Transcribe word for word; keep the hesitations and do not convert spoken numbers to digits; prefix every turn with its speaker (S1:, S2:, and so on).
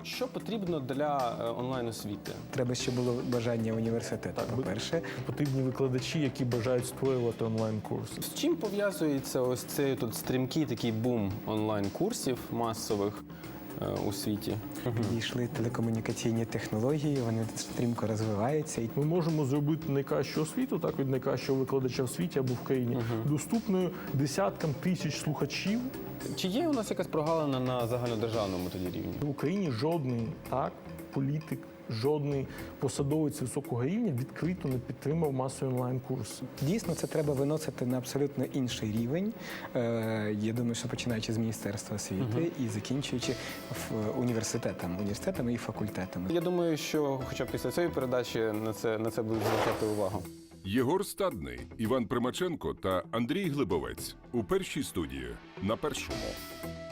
S1: Що потрібно для е, онлайн-освіти?
S2: Треба, щоб було бажання університету, по-перше.
S3: Потрібні викладачі, які бажають створювати онлайн-курси.
S1: З чим пов'язується ось цей тут стрімкий такий бум онлайн-курсів масових е, у світі?
S2: Дійшли телекомунікаційні технології, вони стрімко розвиваються. І
S3: Ми можемо зробити найкращу освіту, так, від найкращого викладача в світі або в країні, доступною десяткам тисяч слухачів.
S1: Чи є у нас якась прогалина на загальнодержавному тоді рівні?
S3: В Україні жодний так, політик, жодний посадовець високого рівня відкрито не підтримав масові онлайн-курси.
S2: Дійсно, це треба виносити на абсолютно інший рівень. Е, Я думаю, що починаючи з Міністерства освіти і закінчуючи в- університетами, університетами і факультетами.
S1: Я думаю, що хоча б після цієї передачі на це, на це будуть звертати увагу.
S4: Єгор Стадний, Іван Примаченко та Андрій Глибовець у першій студії на Першому.